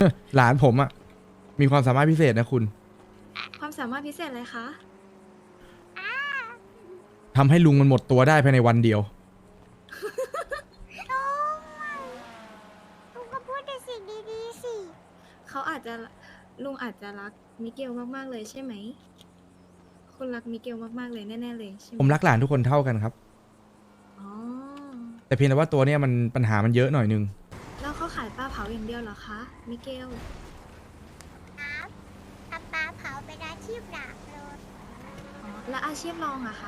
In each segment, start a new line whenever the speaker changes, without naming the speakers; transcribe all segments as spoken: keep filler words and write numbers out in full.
หลานผมอะมีความสามารถพิเศษนะคุณ
ความสามารถพิเศษอะไรคะ
ทำให้ลุงมันหมดตัวได้ภายในวันเดียว
ลุงก็พูดแต่สิ่งดีๆสิ
เขาอาจจะลุงอาจจะรักมิเกลมากๆเลยใช่ไหม คุณรักมิเกลมากๆเลยแน่ๆเลยใช่ไหม
ผมรักหลานทุกคนเท่ากันครับ
อ๋อ
แต่เพียงแต่ว่าตัวเนี้ยมันปัญหามันเยอะหน่อยนึง
แล้วเขาขายปลาเผาอย่างเดียวเหรอคะ มิเกล
ครับทำปลาเผาเป็นอาชีพหลักเลย
อ๋อ แล้วอาชีพรองอะคะ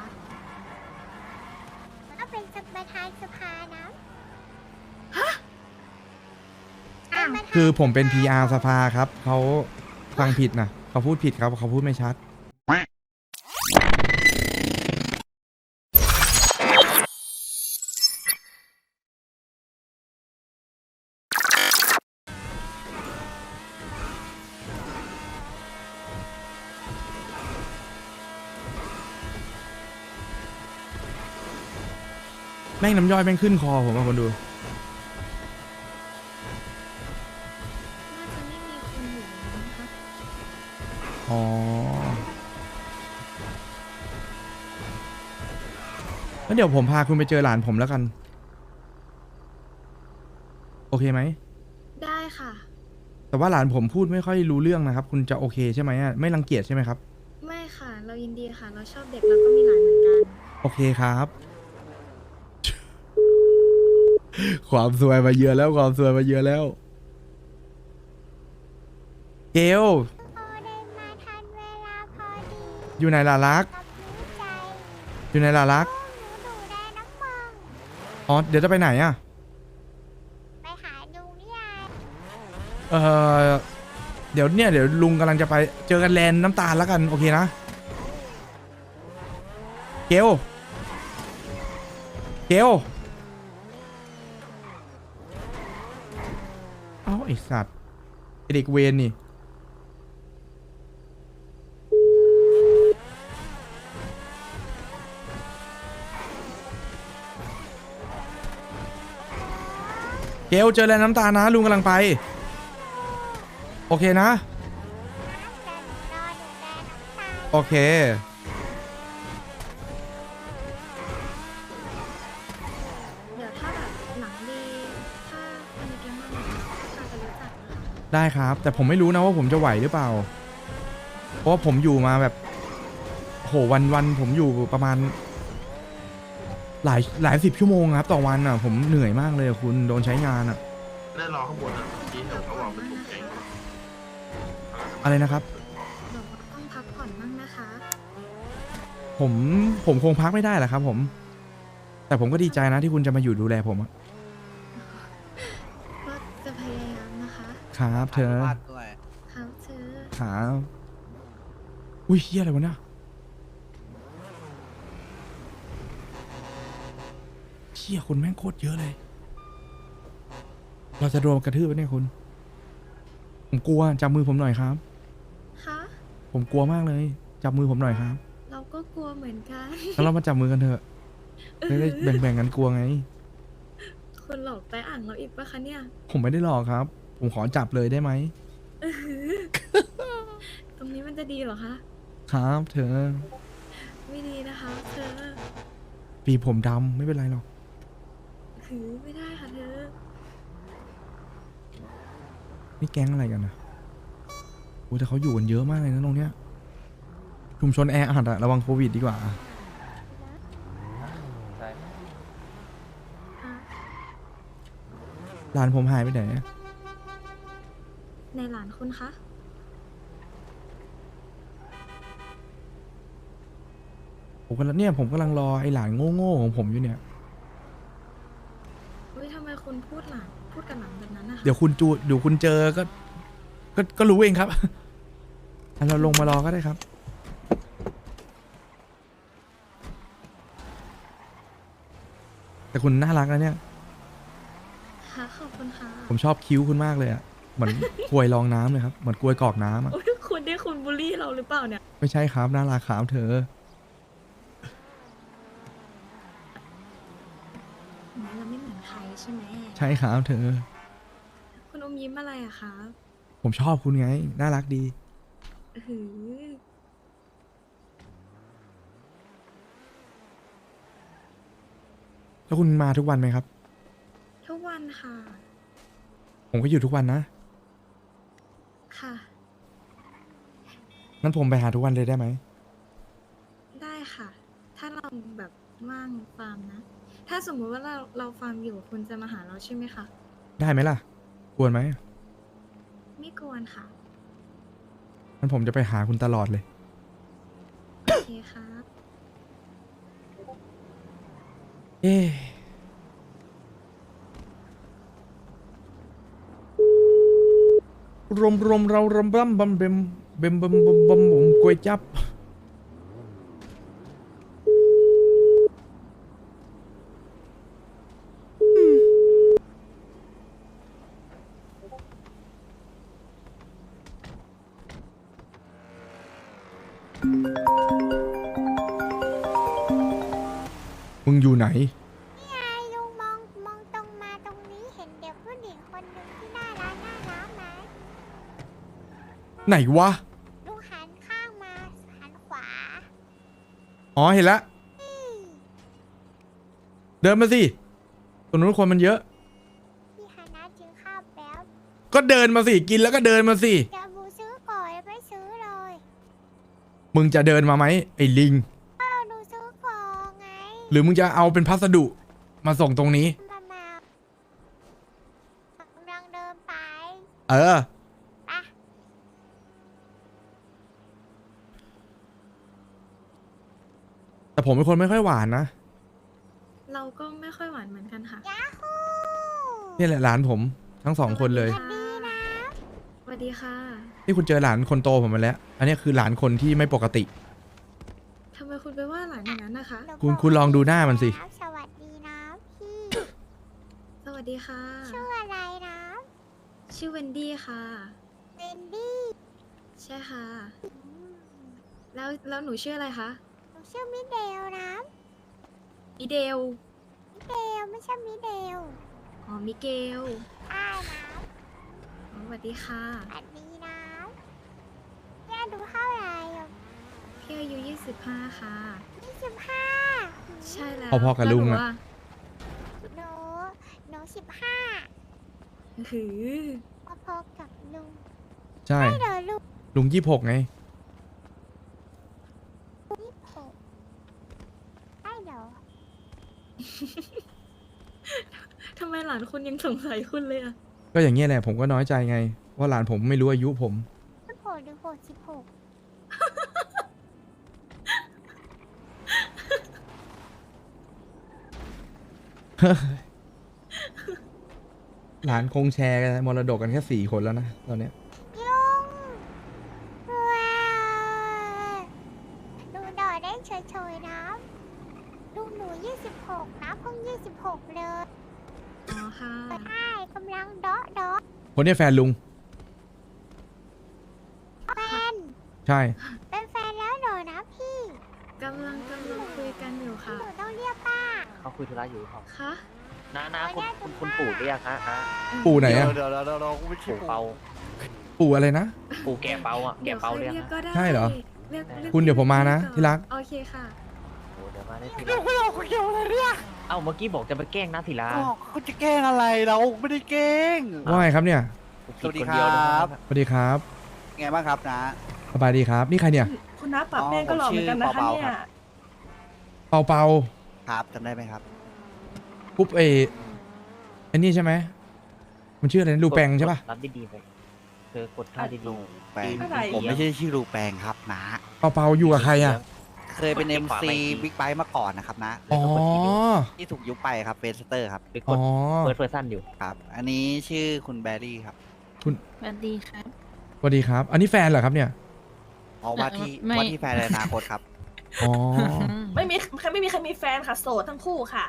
ก็เป็นประธานสภานะ
ฮะ
เป็นประธาน
คือผมเป็น พี อาร์ สภาครับ เขาฟังผิดนะเขาพูดผิดครับเขาพูดไม่ชัด แม่งน้ำย่อยแม่งขึ้นคอผมอะคนดู
น่าจะไม่มีคนอยู่นะคะ
อ๋อ แล้วเดี๋ยวผมพาคุณไปเจอหลานผมแล้วกัน โอเคไหม
ได้ค่ะ
แต่ว่าหลานผมพูดไม่ค่อยรู้เรื่องนะครับ คุณจะโอเคใช่ไหมอะไม่รังเกียจใช่ไหมครับ
ไม่ค่ะ เรายินดีค่ะ เราชอบเด็กแล้วก็มีหลานเหมือนกัน
โอเคครับ ความสวยมาเยอะแล้วความสวยมาเยอะแล้ว เกล
พอเดินมาทันเวลาพอดี
อยู่ไหนล่ะรัก
กับรู้ใจ
อยู่ไหนล่ะรัก
หนูดูแลน้ำมัง
อ๋อ เดี๋ยวจะไปไหนอะ
ไปหาลุงนี่ไง
เออเดี๋ยวเนี่ยเดี๋ยวลุงกำลังจะไปเจอกันแลนด์น้ำตาลแล้วกัน โอเคนะ เกล เกล เอ้าไอสัตว์ไอ้เด็กเวนนี่ เกลเจอแลนด์น้ำตาลนะลุงกำลังไป โอเคนะ
แต่หนูรอดูแลน้ำตาล
โอเค
เดี๋ยวถ้าแบบหนังดีถ้าคนในเกมมากเลยถ้าจะรู้จักนะคะ
ได้ครับ แต่ผมไม่รู้นะว่าผมจะไหวหรือเปล่า เพราะว่าผมอยู่มาแบบโหวันวันผมอยู่ประมาณ หลายหลายสิบชั่วโมงครับ ต่อวันอ่ะ ผมเหนื่อยมากเลยอะคุณโดนใช้งานอ่ะ
ได้รอข้างบนอ่ะเมื่อกี้เห็นเขาบอกเป็นกลุ่มแก๊ง
อะไรนะครับ
บอกว่าต้องพักผ่อนบ้างนะคะ
ผมผมคงพักไม่ได้แหละครับ ผม แต่ผมก็ดีใจนะที่คุณจะมาอยู่ดูแลผมอะ
ก็จะพยายามนะคะ
ครับเธอ
ครับเธอ
ครับอุ้ยเฮียอะไรวะเนี่ยเฮียคนแม่งโคตรเยอะเลย เราจะโดนกระทืบไหมเนี่ยคุณ ผมกลัวจับมือผมหน่อยครับ
คะ
ผมกลัวมากเลย จับมือผมหน่อยครับ
เราก็กลัวเหมือนกัน
แล้วเรามาจับมือกันเถอะจะได้แบ่งๆกันกลัวไง
คุณหลอกแต่อ่างเราอีกปะคะเนี่ย
ผมไม่ได้หลอกครับ ผมขอจับเลยได้ไหม
ตรงนี้มันจะดีเหรอคะ
ครับ เธอ
ไม่ดีนะคะ เธอ
ปีผมดำไม่เป็นไรหรอก
ถือไม่ได้ค่ะเธอ
นี่แก๊งอะไรกันนะโอ้แต่เขาอยู่กันเยอะมากเลยนะตรงเนี้ย ชุมชนแออัดอะระวังโควิดดีกว่า หลานผมหายไปไหนอะ
ในหลานคุณคะ
ผมกำลังเนี่ยผมกำลังรอไอ้หลานโง่ๆของผมอยู่เนี่ย
เฮ้ยทำไมคุณพูดหลานพูดกับหลานแบบนั้นนะคะ
เดี๋ยวคุณจูเดี๋ยวคุณเจอก็ ก็ก็รู้เองครับ งั้นเราลงมารอก็ได้ครับ แต่คุณน่ารักนะเนี่ย
ค่ะขอบคุณค่ะ
ผมชอบคิ้วคุณมากเลยอะเหมือน กลวยรองน้ำเลยครับ เหมือนกลวยกรอกน้ำอะ
โอ้ยคุณได้คุณบูลลี่เราหรือเปล่าเนี่ย
ไม่ใช่ครับน่ารักครับเธอ
เราไม่เหมือนใครใช่ไหม
ใช่ครับเธอ
คุณอมยิ้มอะไรอะคะ
ผมชอบคุณไง น่ารักดี
อื้อหือ
แล้วคุณมาทุกวันไหมครับ
ทุกวันค่ะ
ผมก็อยู่ทุกวันนะ
ค่ะ
งั้นผมไปหาทุกวันเลยได้ไหม
ได้ค่ะ ถ้าเราแบบว่างฟาร์มนะ ถ้าสมมุติว่าเราเราฟาร์มอยู่คุณจะมาหาเราใช่ไหมคะ
ได้ไหมล่ะ ควรไหม
ไม่กวนค่ะ
งั้นผมจะไปหาคุณตลอดเลย
โอเคครับ
เอ๊ะรมรมเรารำบำบำเบมเบมบำบำบำผมกวยจับ มึงอยู่ไหน
นี่ไงลุงมองมองตรงมาตรงนี้เห็นเด็กผู้หญิงคนหนึ่งที่น่ารักน่ารักไหม
ไหนวะ
ลุงหันข้างมาหันขวา
อ๋อ เห็นละ
นี่
เดินมาสิตรงนู้นคนมันเยอะ
พี่ฮานะกินข้าวแป๊บ
ก็เดินมาสิ กินแล้วก็เดินมาสิ
เดี๋ยวบูซื้อก่อนแล้วไม่ซื้อเลย
มึงจะเดินมาไหมไอ้ลิง
อ้าวหนูซื้อก่อนไง
หรือมึงจะเอาเป็นพัสดุมาส่งตรงนี้
มามากำลังเดินไป
เออ
ไป
แต่ผมเป็นคนไม่ค่อยหวานนะ
เราก็ไม่ค่อยหวานเหมือนกันค่ะ
ยาฮู
นี่แหละหลานผมทั้งสองคนเลย
สวัสดีนะ
สวัสดีค่ะ
นี่คุณเจอหลานคนโตผมมาแล้ว อันนี้คือหลานคนที่ไม่ปกติ
ทำไมคุณไปว่าหลานอย่างนั้นนะคะ
หนู
คุณ
บอก
คุณลองดูหน้ามันสิ
ครับสวัสดีนะพี่
สวัสดีค่ะ
ชื่ออะไรนะ
ชื่อเวนดี้ค่ะ
เวนดี้
ใช่ค่ะ
อืม
แล้วแล้วหนูชื่ออะไรคะ
หนูชื่อมิเดลนะ
อีเดล
มิเดลไม่ใช่มิเดล
อ๋อ มิเกล
ได้นะ
อ๋อสวัสดีค่ะ
สวัสดีนะย่าดูเท่าไหร่อ่ะ
พี่อายุยี่สิบห้าค่ะ
ยี่สิบห้า
ใช่แล้ว
พอๆกับลุงอะ
แวหนู
หนูหนูสิบห้า
อื้อหือ
พอๆกับลุง
ใช่
ไม่เดี๋ยวลุง
ลุงยี่หกไง
ยี่สิบหกไม่เดี๋ยว
ทำไมหลานคุณยังสงสัยคุณเลยอะ
ก็อย่างเงี้ยแหละผมก็น้อยใจไง ว่าหลานผมไม่รู้อายุผม
สิบหกหรือหกสิบหก
หลานคงแชร์กันมรดกกันแค่สี่คนแล้วนะตอนเนี้ย
ลุงว้าวลุงดอได้เฉยๆนะลุงหนูยี่สิบหกนะเพิ่งยี่สิบหกเลย
อ๋อค่ะ
ใช่กำลังเดาะเดาะ
คนเนี้ยแฟนลุง
แฟน
ใช่
เป็นแฟนแล้วเหรอนะพี่
กำลังกำลังคุยกันอยู่ค่ะ
หนูต้องเรียกป้า
เขาคุยธุระอยู่ครับ
คะ
น้าน้าคุณคุณคุณปู่เรียกฮะฮะ
ปู่ไหนอะ
เดี๋ยวเดี๋ยวเดี๋ยวเราไม่ใช่
ปู่เปา
ปู่อะไรนะ
ปู่แกเปาอ่ะแก
เดี๋ยว
เปา
ค่อย
เรียก
เรียก
ฮะ
ก็ได้
ใช่เหรอ
เรียกรีก
คุณเดี๋ยวผมมานะ
ก่อ
ที่รัก
โอเคค่ะ
โอ้เดี๋ยวมาได้ที
เดี๋ยว
ละ
ไม่เอาคนเดียวเลยเนี่ย
เอ้าเมื่อกี้บอกจะไปแกล้งน้าศิลา
อ๋อคุณจะแกล้งอะไรเราไม่ได้แกล้ง
ว่าไงครับเนี่ย
ผิ
สวัสดี
นเดียวนะ
ครับ
สวัสดีครับ
ไงบ้างครับนะ
สบายดีครับ นี่ใครเนี่ย
คุณน้าปรับแป้งก็หล่อเหมือนกันนะคะ
อ๋อผมชื่อ
เนี่ย
เปาๆครับ
เปาเปา
ครับจำได้ไหมครับ
ปุ๊บเอไอ้นี่ใช่ไหม มันชื่ออะไรนะลูแปงใช่ปะ
รับดีๆไปเธอกดท่าดี
ลูแปง
อะไร
ผมไม่ใช่ชื่อลูแปงครับนะ
เปาเปาอยู่กับใครอ่ะ
เคยเป็น เอ็ม ซี บิ๊กไบค์มาก่อนนะครับนะ
อ๋อ
ที่ถูกยุบไปครับเฟสเตอร์ครับ
ๆไปก
อ๋
ด
อ
เฟิร์สเพอร์ซันอยู่
ครับ อันนี้ชื่อคุณแบรี่ครับ
สวัสดีครับ
สวัสดีครับ อันนี้แฟนเหรอครับเนี่ย
เพราะว่าที่
ไม่
ว่าที่แฟนในอนาคตครับ
อ๋อ
ไม่มีไม่มีใครมีแฟนค่ะ โสดทั้งคู่ค่ะ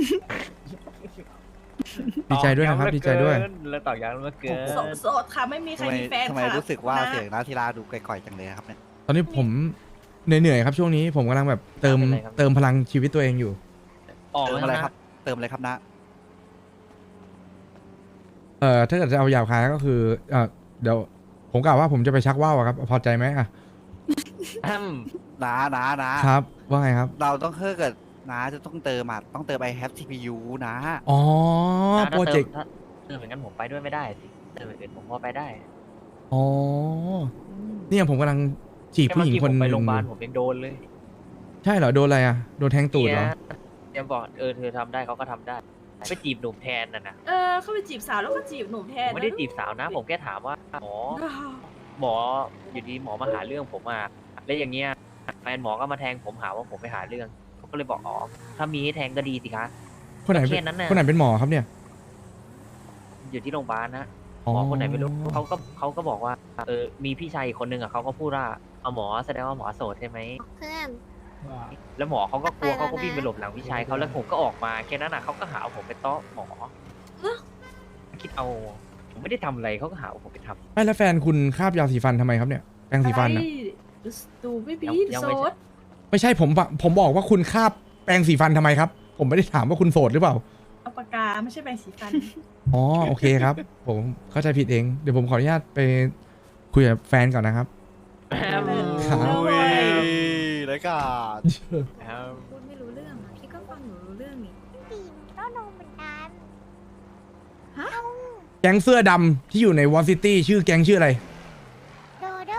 ดีใจด้วยนะครับ ดีใจด้วย
แล้วต่อยังแล้วเกิน
โสดโสดค่ะ ไม่มีใคร
ทำไม
มีแฟน
ทำไม
ค่ะ
รู้สึกว่า
นะ
เสียงนาทีลาดูก่อยๆจังเลยครับเนี่ย
ตอนนี้ผมเหนื่อยๆครับช่วงนี้ ผมกำลังแบบเติมเติมพลังชีวิตตัวเองอยู่
ออก
เติม
แล้ว
อะไร
นะครับ
เติมอะไรครับนะ
เอ่อถ้าเกิดจะเอาหยาบคายก็คือเอ่อเดี๋ยวผมกล่าวว่าผมจะไปชักว่าวอะครับ พอใจไหมอะ
อืม
นานานะครับ
ว่าไงครับ
เราต้องเพิ่มกับนาจะต้องเติมอ่ะต้องเติม I have ซี พี ยู นะ
อ๋อ
ถ้า
โปรเจกต์
ถ้าเติมเหมือนกันผมไปด้วยไม่ได้สิเติมอย่างอื่นผมพอไปได้
อ๋อ เนี่ยผมกำลังจีบผู้หญิงคน
แค่
ห
เมื่อกี้ผมไป
นึ่ง
โรงพยาบาล
อยู่
ผมยังโดนเลย
ใช่เหรอ โดนอะไรอะโดนแทงตูดเหรอ
นี่ยยังบอกเออเธอทำได้เขาก็ทำได้ไปจีบหนุ่มแทนน่ะนะ
เออเขาไปจีบสาวแล้วก็จีบหนุ่มแท
ผ
น
มไม่ได้จีบสาวนะ ผมแค่ถามว่าหมอ หมออยู่ดีหมอมาหาเรื่องผมมาแล้วอย่างเงี้ยแฟนหมอก็มาแทงผมหาว่าผมไปหาเรื่องผมก็เลยบอกอ๋อถ้ามีให้แทงก็ดีสิคะ
คนไหน
ก็
เป็
แค่
น
นั้นน่ะ
คนไหนเป็นหมอครับเนี่ย
อยู่ที่โรงพยาบาลนะ
อ๋อ
หมอคนไหนไม่รู้เขาก็เขาก็บอกว่าเออมีพี่ชายอีกคนนึงอ่ะเขาก็พูดว่าเอาหมอแสดงว่าหมอโสดใช่ไหม
เพื่อน
แล้วหมอเขาก็กลัว
ไปแล้วนะ
เขาก็วิ่งไปหลบหลังพี่ชายเขาแล้วผมก็ออกมาแค่นั้นอ่ะเขาก็หาว่าผมไปต้อหมอคิดเอาผมไม่ได้ทำอะไรเขาก็หาว่าผมไปทำ
ไม่แล้วแฟนคุณคาบยาสีฟันทำไมครับเนี่ยแปรงสีฟันอะ
ดูไม่บี
ยังยัง
โซ
ไม่ใช่
ด
ไม่ใช่ผมผมบอกว่าคุณคาบแปรงสีฟันทำไมครับ ผมไม่ได้ถามว่าคุณโสดหรือเปล่า
เอาปากกาไม่ใช่แปรงสีฟัน
อ๋อโอเคครับ ผมเข้าใจผิดเอง เดี๋ยวผมขออนุญาตไปคุยกับแฟนก่อนนะครับ ครับ
อุ้ยแล้วก็
พูดไม่รู้เรื่องอะพี่ก็ฟังหนูรู้เรื่องนี่
ตีนก็โดนเหมือนกัน
ฮะ
แก๊งเสื้อดำที่อยู่ในวอลซิตี้ชื่อแก๊งชื่ออะไร
โดโด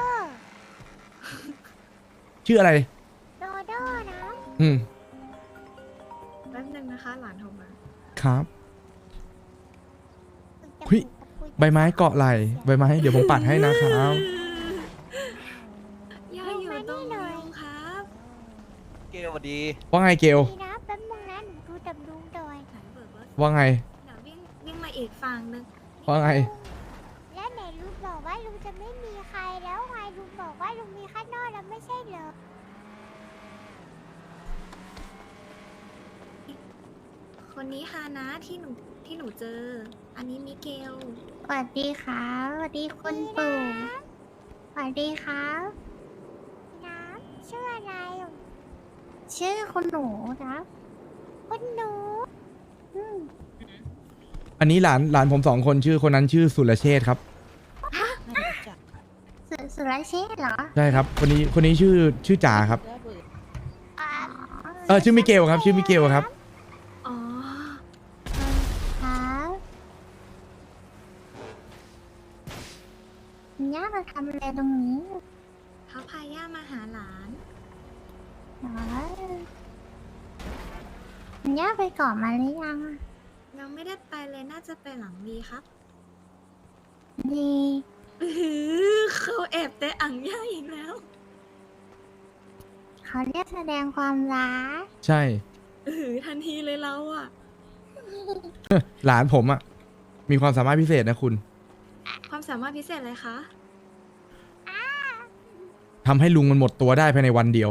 ชื่ออะไร
โดโดนะ
อืม
แป๊บนึงนะคะ หลานโทรมา
ครับ เฮ้ย ใบไม้เกาะไหลใบไม้เดี๋ยวผมปัดให้นะครับ
ย่าอยู่ตรงนี้ครับ
เกลสวัสดี
ว่าไงเกล
ดีนะแป๊บนึงนะหนูดูดับลุงดอย
ไหนเบิกรถ
ว่าไง
เดี๋ยววิ่งวิ่งมาอีกฝั่งนึง
ว่าไง
แล้วไหนลุงบอกว่าลุงจะไม่มีใครแล้วไงลุงบอกว่าลุงมีข้างนอกแล้วไม่ใช่เหรอ
คนนี้ฮานะที่หนูที่หนูเจอ อันนี้มิเกล
สวัสดีครับสวัสดีคุณปู่สวัสดีครับน้ำชื่ออะไรอ่ะชื่อคุณหนูนะคุณหนูอืม
อันนี้หลานหลานผมสองคนชื่อคนนั้นชื่อสุรเชษฐ์ครับ
สุสุรเชษฐ์เหรอ
ใช่ครับ คนนี้คนนี้ชื่อชื่อจ๋าครับ
อ๋อ
เออชื่อมิเกลครับ ชื่อมิเกลครับ
อ๋อ
ครับย่ามาทำอะไรตรงนี้
เขาพาย่ามาหาหลาน
เหรอย่าไปก่อนมาหรือยังอะ
ยังไม่ได้ไปเลยน่าจะไปหลังดีครับ
ดี
อื้อหือเขาแอบแต่อ่างย่าอีกแล้ว
เขาเรียกแสดงความรัก
ใช่
อื้อหือทันทีเลยเราอะ
หลานผมอะมีความสามารถพิเศษนะคุณ
ความสามารถพิเศษเลยคะ
ทำให้ลุงมันหมดตัวได้ภายในวันเดียว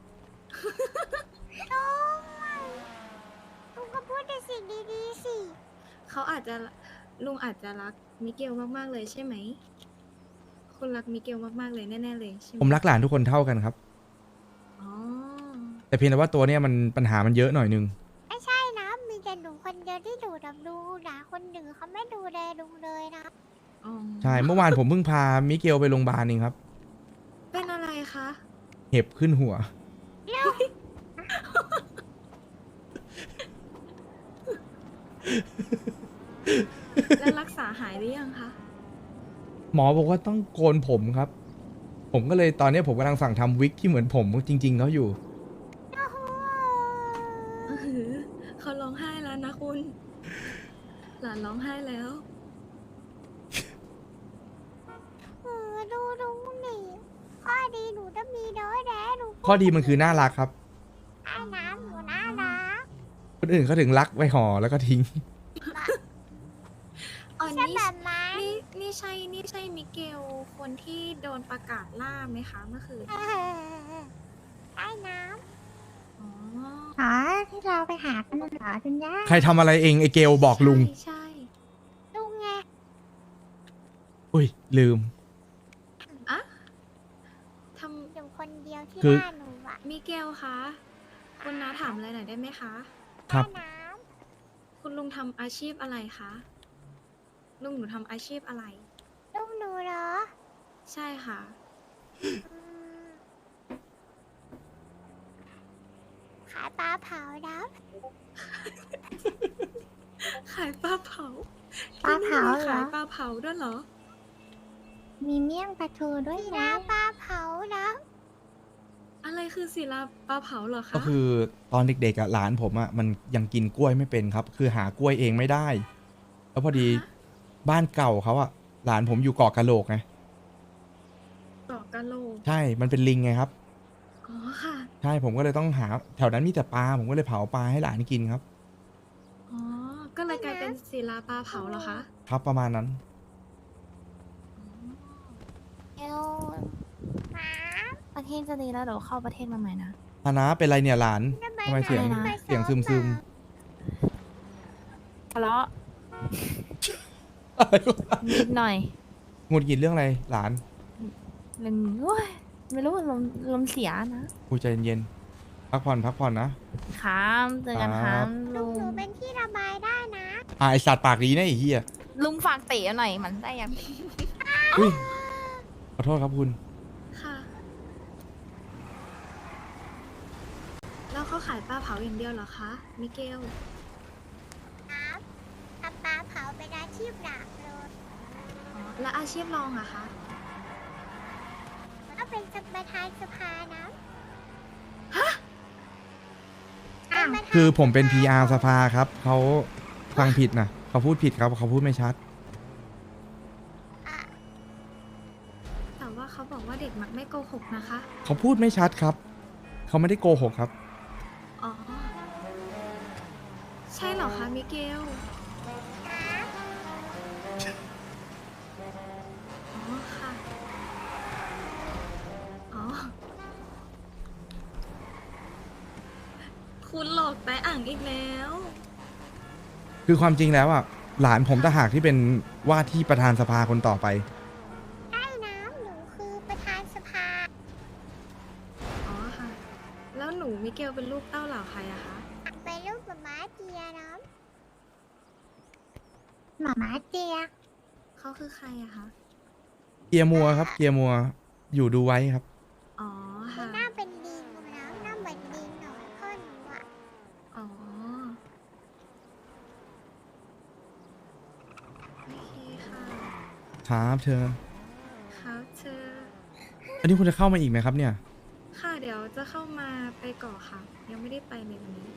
ลุงลุงก็พูดแต่สิ่งดีๆสิ
เขาอาจจะลุงอาจจะรักมิเกลมากๆเลยใช่ไหม คุณรักมิเกลมากๆเลยแน่ๆเลยใช่ไหม
ผมรักหลานทุกคนเท่ากันครับ
อ๋อ
แต่เพียงแต่ว่าตัวเนี้ยมันปัญหามันเยอะหน่อยนึง
ไม่ใช่นะ มีแต่หนูคนเดียวที่ดูดับลุงนะคนหนึ่งเขาไม่ดูแลลุงเลยนะ
อ๋อ
ใช่ เมื่อวานผมเพิ่งพามิเกลไปโรงพยาบาลเองครับ
เป็นอะไรคะ
เห็บขึ้นหัว
แล้วรักษาหายหรือยังคะ
หมอบอกว่าต้องโกนผมครับ ผมก็เลยตอนนี้ผมกำลังสั่งทำวิกที่เหมือนผมจริง ๆเขาอยู่
อื้อหือเขาร้องไห้แล้วนะคุณ หลานร้องไห้แล้ว
เออดูลุงนี่ข้อดีหนูจะมีน้อยแน่หนู
ข้อดีมันคือน่ารักครับ
ไอ้น้ำหนูน่ารัก
คนอื่นเขาถึงรักไว้ห่อแล้วก็ทิ้ง
อ๋อ
ใช่
นี่
แบบนั้น
นี่นี่ใช่นี่ใช่มิเกลคนที่โดนประกาศล่าไหมคะเมื่อคืน
เออไอ้น้
อ๋อ
ำอ๋อที่เราไปหากันเหรอคุณย่า
ใครทำอะไรเองไอเกลบอกลุง
ใช่ใช่
ลุงไง
อุ้ยลืม
อะท
อยู่คนเดียวที่
คือ
บ้านหนูอะ
ำมิเกลคะคุณน้าถามอะไรหน่อยได้ไหมคะ
ครับ
ไอ้น้
คุณลุงทำอาชีพอะไรคะ ลุงหนูทำอาชีพอะไร
ำลุงหนูเหรอ
ใช่ค่ะ
ขายปลาเผานะ
ขายปลาเผา
ปลาเผา
ที่นี่มี
เหรอ
ขายปลาเผาด้วยเหรอ
มีเมี่ยงปลาทูด้วยนะปลาเผานะ
อะไรคือศิลาปลาเผาเหรอคะ
ก็คือตอนเด็กๆอ่ะหลานผมอ่ะมันยังกินกล้วยไม่เป็นครับ คือหากล้วยเองไม่ได้ แล้วพอดี
ฮะ
บ้านเก่าเขาอ่ะหลานผมอยู่เกาะกะโหลกไง
เกาะกะโหลก
ใช่มันเป็นลิงไงครับ
อ๋อค่ะ
ใช่ผมก็เลยต้องหาแถวนั้นมีแต่ปลาผมก็เลยเผาปลาให้หลานกินครับ
อ๋อ ก็เลยกลายเป็นศิลาปลาเผาเหรอคะ
ครับประมาณนั้น
เอลหมา
ประเทศจะดีแล้วเดี๋ยวเข้าประเทศมาใหม่นะ
ฮานะเป็นไรเนี่ยหลานทำไมเสียง
อะไรนะ
เสียงซึมซึม
ทะเลาะ
ๆอะไรวะ
นิดหน่อย
หงุดหงิดเรื่องอะไรหลาน
เรื่องโอ้ยไม่รู้ลมลมเสียนะ
กูใจเย็นๆพักผ่อนพักผ่อนนะครับ
เจอกันค
ครั
รับ บ
ลุ
ลุ
ง
ง
หนูเป็นที่ระบายได้นะ
อ่ะไอสัตว์ปากดีนะไอ้เหี้ย
ลุงฝากเตะหน่อยมันได้ยัง
อุ้ยขอโทษครับคุณ
ค่ะ แล้วเขาขายปลาเผาอย่างเดียวเหรอคะ มิเกล
ครับทำปลาเผาเป็นอาชีพหลักเลย
อ๋อ แล้วอาชีพรองอะคะ
ก็เป็นประธานสภานะ
อ้าว
เป็นประธาน
คือผมเป็น พี อาร์ สภาครับเขาฟังผิดนะเขาพูดผิดครับเขาพูดไม่ชัด
อ่ะ
แต่ว่าเขาบอกว่าเด็กมักไม่โกหกนะคะ
เขาพูดไม่ชัดครับ เขาไม่ได้โกหกครับ
อ๋อ ใช่เหรอคะ มิเกล อ๋อ ค่ะ อ๋อ คุณหลอกแต่อ่างอีกแล้ว
คือความจริงแล้วอ่ะหลานผมต่างหากที่เป็นว่าที่ประธานสภาคนต่อไป
ใช่นะหนูคือประธานสภา
อ๋อ ค่ะ แล้วหนูมิเกลเป็นลูกเต้าเหล่าใครอะคะ
เป็นลูกหมาม้าเจียนะหมาม้าเจีย
เขาคือใครอะคะ
เกียร์มัวครับ เกียร์มัวอยู่ดูไว้ครับ
อ๋อ
มี
ค่ะ
หน้าเป็นดิงนะหน้าเหมือนดิงหน่อยพ่อหนูอ่ะ
อ๋อ โอเคค่ะ
ครับเธอ
ครับเธอ
อันนี้คุณจะเข้ามาอีกไหมครับเนี่ย
ค่ะ เดี๋ยวจะเข้ามาไปก่อค่ะ ยังไม่ได้ไปเลยวันนี้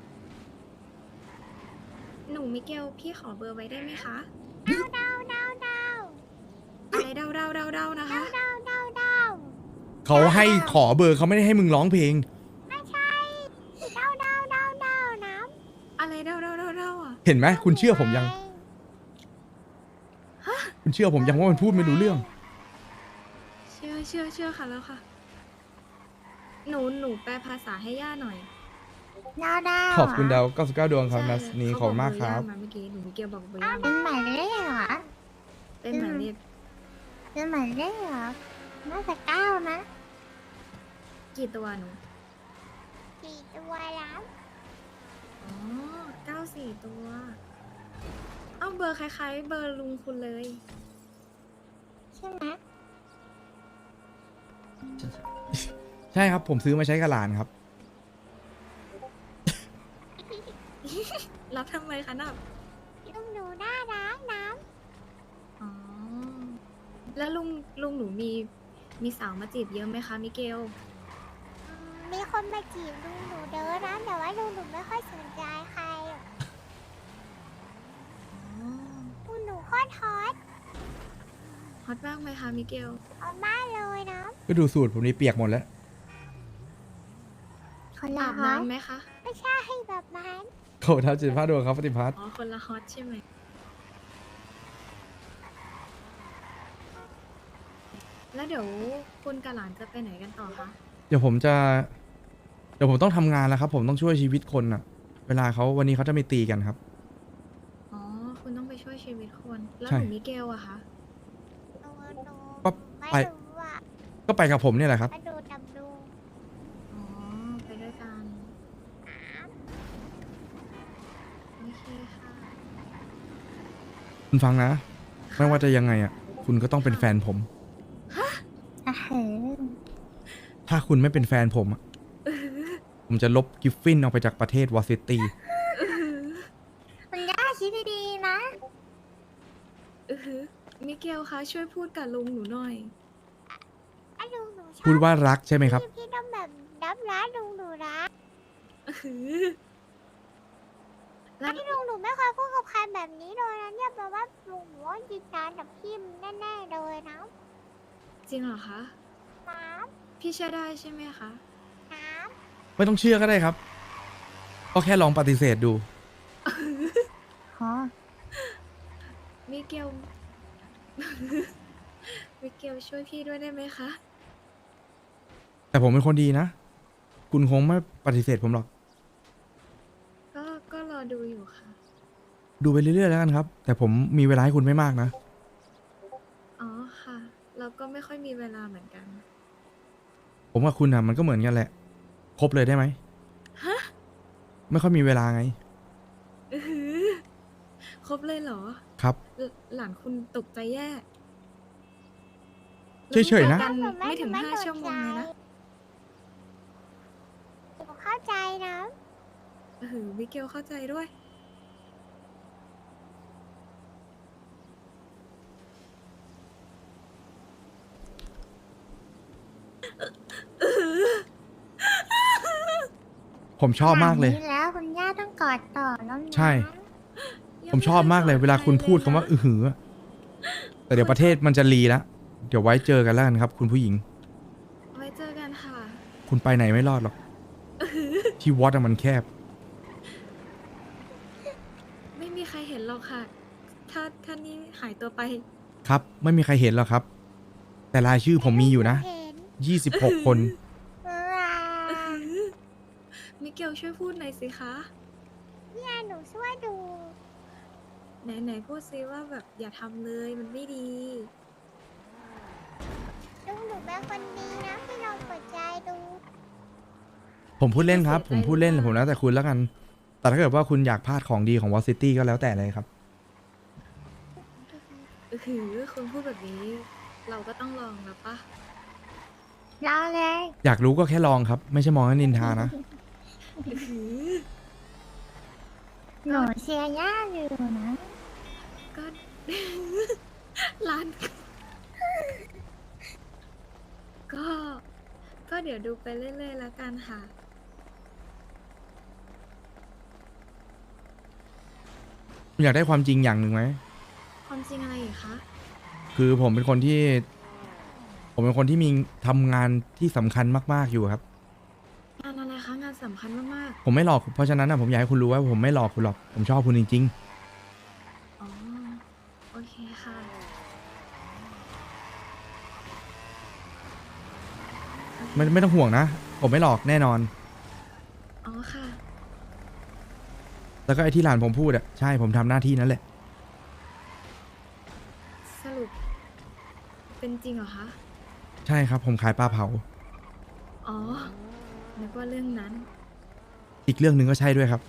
หนูมิเกลพี่ขอเบอร์ไว้ได้ไหมคะ
ดาวดาวดาวดาว
อะไรเดาเดาเดาเดานะคะ
ดาวดาวดาว
เขาให้ขอเบอร์เขาไม่ได้ให้มึงร้องเพลง
ไม่ใช่ดาวดาวดาวดาวน้
อะไรเดาเดาเดาเดาอ่ะ
เห็นไหม
ำ
คุณเชื่อผมยัง คุณเชื่อผมยังว่ามันพูดไม่รู้เรื่อง
เชื่อเชื่อเชื่อค่ะแล้วค่ะ หนูหนูแปลภาษาให้ย่าหน่อย
ดาวดาว
ขอบคุณดาวเก้าสิบเก้าดวงครับ
ใช่
นัสนี้ขอบคุณมากครับ
เขอกเบอร์ย่ามาเมื่อกี้หนูมิเกลบอกเบอร์ย่า
เป็
มาน
หมายเลขเหรอ
เป็นหมายเลข
เป็นหมายเลขเหรอน่าจะเก้านะ
กี่ตัวหนู
สี่ตัวแล้ว
อ๋อเก้าสี่ตัว เอ้าเบอร์คล้ายๆ เบอร์ลุงคุณเลย
ใช่ไหม
ใช่ครับ ผมซื้อมาใช้กับหลานครับ
รับทำไมคะนับ
ลุงหนูน่ารักนะ
อ๋อ แล้วลุงลุงหนูมีมีสาวมาจีบเยอะไหมคะมิเกล
อืมมีคนมาจีบลุงหนูเด้อนะแต่ว่าลุงหนูไม่ค่อยสนใจใครอะ
อ๋อ
ลุงหนูโคตรฮอต
ฮอตมากไหมคะมิเกล
เอามากเลยนะ
ก็ดูสูตรผมนี่เปียกหมดแล้ว
คนละ
อาบ
ฮอต
น้ำไหมคะ
ไม่ใช่แบบนั้น
โขท้าจิตพาดวงครับปฏิพัฒน์
อ๋อ คนละฮอตใช่ไหม แล้วเดี๋ยวคุณกับหลานจะไปไหนกันต่อคะ
เดี๋ยวผมจะ เดี๋ยวผมต้องทำงานแล้วครับ ผมต้องช่วยชีวิตคนอะเวลาเขาวันนี้เขาจะไม่ตีกันครับ
อ๋อ คุณต้องไปช่วยชีวิตคน แล้ว
ใช่
หนูมิเกลอะคะ
หนูหนู
ก็
ไม่
ไป
รู้อ่ะ
ก็ไปกับผมเนี่ยแหละครับ
มาดูดับดู
อ๋อ ไปด้วยกัน โอเคค่ะ
คุณฟังนะ ไม่ว่าจะยังไงอะคุณก็ต้องเป็นแฟนผม
ฮะ
เถิง
ถ้าคุณไม่เป็นแฟนผมอะผมจะลบกิฟฟินออกไปจากประเทศวอซิตี้
คุณย่าคิดดีๆนะ
อือหือมิเกลคะช่วยพูดกับลุงหนูหน่อย
ไอ้ลุงหนูชอบ
พูดว่ารักใช่ไหมครับ
พี่พี่ต้องแบบรับร้านลุงหนูรัก
อือหือแล้ว
ไอ้ลุงหนูไม่เคยพูดกับใครแบบนี้เลยนะเนี่ยแปลว่าลุงหนูว่าจริงจังกับพี่แน่ๆเลยนะ
จริงเหรอคะ
น้
พี่เชื่อได้ใช่ไหมคะ
ำน้
ไม่ต้องเชื่อก็ได้ครับ ก็แค่ลองปฏิเสธดู
ำฮะ
มิเกล มิเกลช่วยพี่ด้วยได้ไหมคะ
แต่ผมเป็นคนดีนะ คุณคงไม่ปฏิเสธผมหรอก
ก็ก็รอดูอยู่ค่ะ
ดูไปเรื่อยๆแล้วกันครับ แต่ผมมีเวลาให้คุณไม่มากนะ
อ๋อค่ะ เราก็ไม่ค่อยมีเวลาเหมือนกัน
ผมกับคุณอ่ะมันก็เหมือนกันแหละ ครบเลยได้ไหม
ฮะ
ไม่ค่อยมีเวลาไง
อือหือครบเลยเหรอ
ครับ
หลหลานคุณตกใจแย่
เฉยๆนะ
ราเพิ่งเจอกันไม่ถึงห้าชั่วโมงเลยนะ
หนูเข้าใจนะ
เออมิเกลเข้าใจด้วย
ผมชอบมากเลย
ขนดนี้แล้วคุณย่าต้องกอดต่อแล้วนะ
ใช่ ผมชอบมากเลย เวลาคุณพูดคำว่าอือหืออะแต่เดี๋ยวประเทศมันจะรีแล้ว เดี๋ยวไว้เจอกันแล้วกันครับ คุณผู้หญิง
ไว้เจอกันค่ะ
คุณไปไหนไม่รอดหรอก ที่วัดอะมันแคบ
ไม่มีใครเห็นหรอกค่ะ ถ้าถ้านี่หายตัวไป
ครับ ไม่มีใครเห็นหรอกครับ แต่รายชื่อผมมีอยู่นะ
เห็น
ยี่สิบหกคน
เออ
มิเกลช่วยพูดหน่อยสิคะ
เนี่ยหนูช่วยดู
ไหนไหนพูดซิว่าแบบอย่าทำเลยมันไม่ดี
ลุงหนูเป็นคนดีนะพี่ลองเปิดใจดู
ผมพูดเล่นครับ
เสียใจ
ผมพูดเล่น
มาก
ผมแล้วแต่คุณแล้วกัน แต่ถ้าเกิดว่าคุณอยากพลาดของดีของวอซิตี้ก็แล้วแต่เลยครับ
อือหือคุณพูดแบบนี้ เราก็ต้องลองแล้วปะ
รอเลย
อยากรู้ก็แค่ลองครับ ไม่ใช่มองให้นินทานะ
อือหือ
หนูเชียร์ย่าอยู่นะ
ก็ ร้าน ก็ ก็เดี๋ยวดูไปเรื่อยๆแล้วกันค่ะ
คุณอยากได้ความจริงอย่างหนึ่งไหม
ความจริงอะไรอีกคะ
คือผมเป็นคนที่ ผมเป็นคนที่มีทำงานที่สำคัญมากๆอยู่ครับ
งานอะไรคะ งานสำคัญมาก
ผมไม่หลอก เพราะฉะนั้นนะผมอยากให้คุณรู้ว่าผมไม่หลอกคุณหรอก ผมชอบคุณจริง
ๆ อ๋อ โอเคค่ะ
ๆ ไม่ไม่ต้องห่วงนะ ผมไม่หลอกแน่นอน
อ๋อค่ะ
แล้วก็ไอ้ที่หลานผมพูดอะใช่ผมทำหน้าที่นั้นแหละ
สรุป เป็นจริงเหรอคะ
ใช่ครับ ผมขายปลาเผา
อ๋อ นึกว่าเรื่องนั้น
อีกเรื่องหนึ่งก็ใช่ด้วยครับ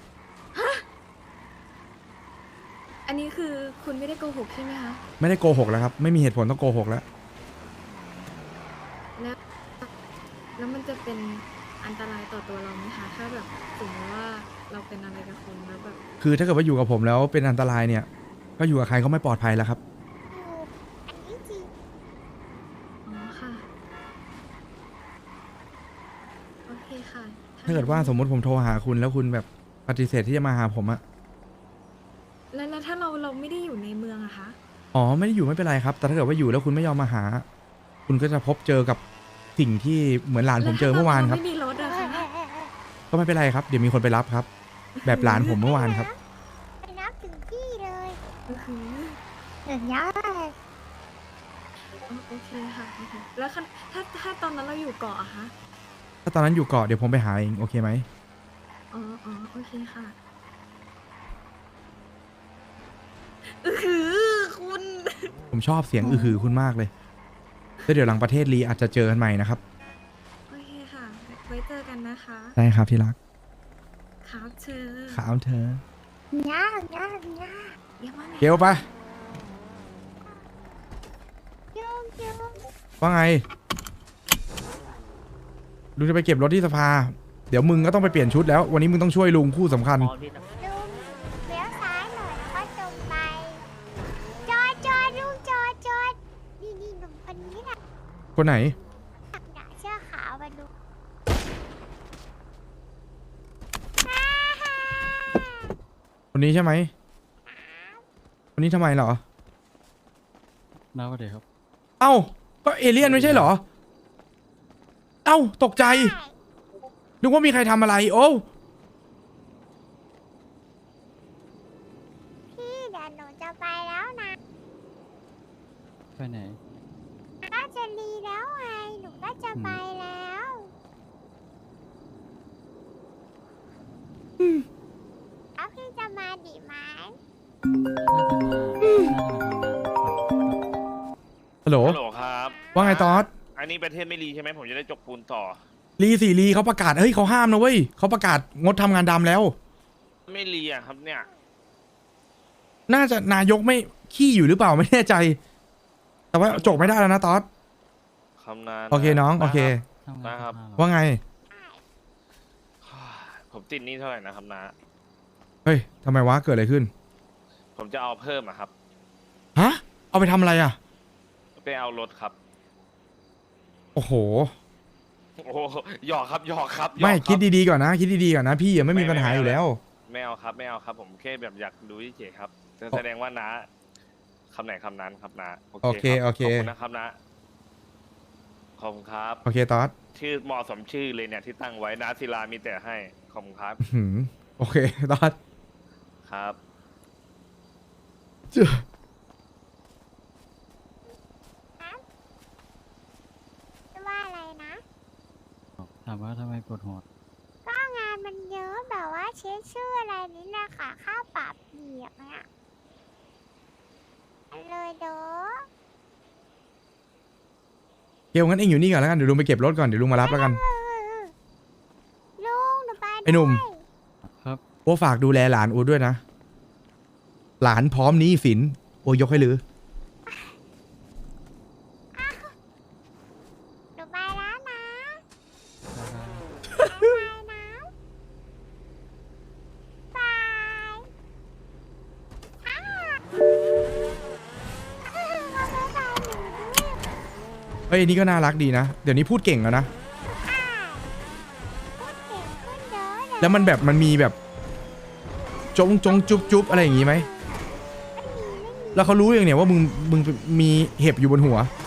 อันนี้คือคุณไม่ได้โกหกใช่ไหมคะ
ไม่ได้โกหกแล้วครับ ไม่มีเหตุผลต้องโกหกแล้ว
แล้ว แล้วมันจะเป็นอันตรายต่อตัวเราไหมคะ ถ้าแบบสมมติว่าเราเป็นอะไรกับคุณแล้วแบบ
คือถ้าเกิดว่าอยู่กับผมแล้วเป็นอันตรายเนี่ย ก็อยู่กับใครก็ไม่ปลอดภัยแล้วครับ
ถูกอันนี้จริง
อ๋อค่ะ โอเคค่ะ
ถ้าเกิดว่าสมมติผมโทรหาคุณแล้วคุณแบบปฏิเสธที่จะมาหาผมอะ
แล้วแล้วถ้าเราเราไม่ได้อยู่ในเมืองอะคะ
อ๋อไม่ได้อยู่ไม่เป็นไรครับ แต่ถ้าเกิดว่าอยู่แล้วคุณไม่ยอมมาหา คุณก็จะพบเจอกับสิ่งที่เหมือนหลานผมเจอเมื่อวานครับ
แล้วถ้เรไม่มีรถอะคะ
ก็ไม่เป็นไรครับ เดี๋ยวมีคนไปรับครับ แบบหลานผมเมื่อวานครับ
ไปนับถึงที่เลย
ก็คือ
เดี๋ยวย่า
อ๋อโอเคค่ะโอเคแล้วคันถ้าถ้าตอนนั้นเราอยู่เกาะอะคะ
ถ้าตอนนั้นอยู่เกาะเดี๋ยวผมไปหาเองโอเคไหม
อ๋ออ๋อโอเคค่ะอือหือคุณ
ผมชอบเสียงอือหือคุณมากเลยแล้วเดี๋ยวหลังประเทศรีอาจจะเจอกันใหม่นะครับ
โอเคค่ะ ไว้เจอกันนะคะ
ได้ครับที่รัก
ครับเธอ
ขาวเธอ
ย่าย่าย่า
เรียกว่าไง
เกลปะ
จุ๊บจุ๊บ
ว่าไงลุงจะไปเก็บรถที่สภา เดี๋ยวมึงก็ต้องไปเปลี่ยนชุดแล้ว วันนี้มึงต้องช่วยลุงคู่สำคัญ
พร้อมที่จะ
ลุงเลี้ยวซ้ายหน่อยแล้วก็ตรงไป จอดจอดลุงจอดจอดนี่นี่หนุ่มคนนี้น่ะ
คนไหน
หนาเสื้อขาวมาดู
คนนี้ใช่ไหม คนนี้ทำไมเหรอ
น้าสวัสดีครับ
เอ้า ก็เอเลี่ยนไม่ใช่เหรอ เอ้า ตกใจ นึกว่ามีใครทำอะไร โอ้
พี่เดี๋ยวหนูจะไปแล้วนะ
ไปไหน
ก็จะรีแล้วไงหนูก็จะไปแล้วแล้วพี่จะมาดีไหม
ฮัลโหล
ฮัลโหลครับ
ว่าไงตอส
อันนี้ประเทศไม่รีใช่ไหมผมจะได้จกปูนต่อ
ลีสี่ลีเขาประกาศ เฮ้ยเขาห้ามนะเว้ยเขาประกาศงดทำงานดำแล้ว
ไม่รีอ่ะครับเนี่ย
น่าจะนายกไม่ขี้อยู่หรือเปล่าไม่แน่ใจ แต่ว่าจบไม่ได้แล้วนะตอส
คำนาน
โอเคน้อง โอเค
ทำงาน
นะครับ
สภาเหรอ
ว่าไง
ผมติดหนี้เท่าไหร่นะครับนะ
เฮ้ยทำไมวะ เกิดอะไรขึ้น
ผมจะเอาเพิ่มอะครับ
ฮะ เอาไปทำอะไรอ่ะ
ไปเอารถครับ
โอ้โห
โอ้โหหยอกครับหยอกครับหยอก
ไม่
รับ
คิดดีๆก่อนนะ คิดดีๆก่อนนะ พี่ยังไม่มีปัญหาอยู่แล้ว
ไม่เอาครับ ไม่เอาครับ ผมแค่แบบอยากดูเฉยๆครับจะแสดงว่านะคำไหนคำนั้นครับนะ
โอเค
รับ
โอเค
ขอบคุณนะครับนะ ขอบคุณครับ
โอเคตอส
ชื่อเหมาะสมชื่อเลยเนี่ยที่ตั้งไว้นะศิลามีแต่ให้ ขอบคุณครับ
หืมโอเคตอส
ครับ
เจ้า
ว่าอะไรนะ
ถามว่าทำไมปวดหัว
ก็งานมันเยอะแบบว่าเช็คชื่ออะไรนี่นะคะค่าปรับเหยียบเนี่ยเลยเด้อ
เกลงั้นเองอยู่นี่ก่อนแล้วกันเดี๋ยวลุงไปเก็บรถก่อนเดี๋ยวลุงมารับแล้วกัน
เออลุงหนูไป
ไอ้หนุ่ม
ด้วย
ครับ
โอ้ฝากดูแลหลานอูด้วยนะ หลานพร้อมหนี้สินโอยกให้ลือ
หนูไปแล้วนะ
บ๊ายบาย
บายนะบายอ้าวเอาไปบายหนูด้วย
เฮ้ยนี่ก็น่ารักดีนะ เดี๋ยวนี้พูดเก่งแล้วนะ
อ้าวพูดเก่งขึ้นเยอะเลย
แล้วมันแบบมันมีแบบจงจงจุ๊บจุ๊บอะไรอย่างงี้ไหม
ไม่มีไม่มี
แล้วเขารู้อย่างเนี่ยว่ามึงมึงมีเห็บอยู่บนหัว
ไ